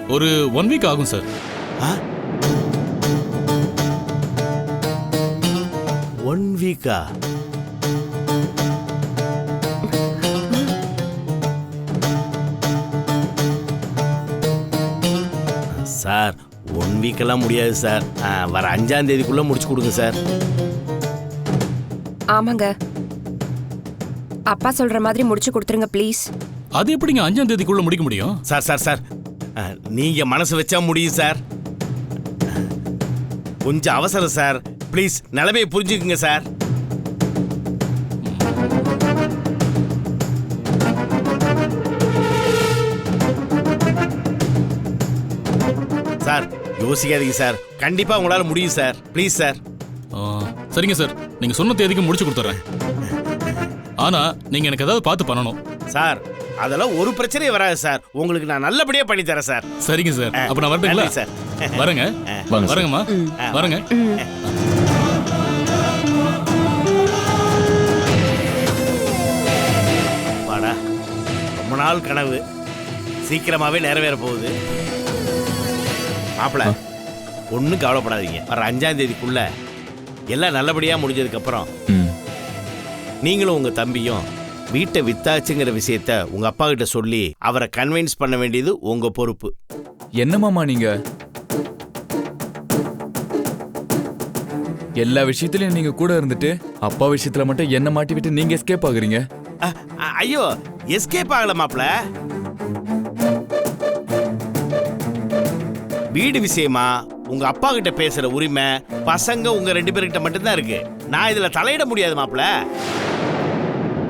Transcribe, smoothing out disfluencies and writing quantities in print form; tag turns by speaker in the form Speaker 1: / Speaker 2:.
Speaker 1: ஒரு 1 வீக் ஆகும் சார்.
Speaker 2: 1 வீக்கா? சார் 1 வீக்கெல்லாம் முடியாது சார். வர 5ஆம் தேதிக்குள்ள முடிச்சு கொடுங்க சார்.
Speaker 3: ஆமாங்க, அப்பா சொல்ற மாதிரி முடிச்சு கொடுத்துருங்க ப்ளீஸ்.
Speaker 1: அது எப்படிங்க 5ஆம் தேதிக்குள்ள முடிக்க முடியும்?
Speaker 2: சார் சார் சார் நீங்க மனசு வச்சா முடியும் சார். கொஞ்சம் அவசரம் சார். ப்ளீஸ் நிலைமையை புரிஞ்சுக்குங்க சார். சார் யோசிக்காதீங்க சார். கண்டிப்பா உங்களால முடியும் சார். Please sir.
Speaker 1: சரிங்க சார், நீங்க சொன்ன தேதிக்கு முடிச்சு கொடுத்துறேன். ஆனா நீங்க எனக்கு ஏதாவது பார்த்து பண்ணணும்
Speaker 2: சார். அதெல்லாம் ஒரு பிரச்சனையும் வராது சார். உங்களுக்கு நான் நல்லபடியா பண்ணி தரேன் சார்.
Speaker 1: சரிங்க சார், அப்ப நான் வரட்டுங்களா
Speaker 2: சார்?
Speaker 1: வரேங்க. வரேங்கம்மா, வரேங்க.
Speaker 2: வாடா, ரொம்ப நாள் கனவு சீக்கிரமாவே நிறைவேற போகுது. மாப்பிள ஒன்றும் கவலைப்படாதீங்க. வர 5ஆம் தேதிக்குள்ள எல்லாம் நல்லபடியா முடிஞ்சதுக்கு அப்புறம் நீங்களும் உங்க தம்பியும் வீட்டை வித்தாச்சுங்கிற விஷயத்த உங்க அப்பா கிட்ட சொல்லி அவரை கன்வின்ஸ் பண்ண வேண்டியது உங்க பொறுப்பு.
Speaker 4: என்ன மாமா நீங்க எல்லா விஷயத்திலயும் நீங்க கூட இருந்துட்டு அப்பா விஷயத்துல மட்டும் என்ன மாட்டி விட்டு நீங்க எஸ்கேப் ஆகுறீங்க?
Speaker 2: ஐயோ, எஸ்கேப் ஆகல மாப்பிள. வீடு விஷயமா உங்க அப்பா கிட்ட பேசுற உரிமை பசங்க உங்க 2 பேர்கிட்ட மட்டும்தான் இருக்கு. நான் இதுல தலையிட முடியாது மாப்பிள.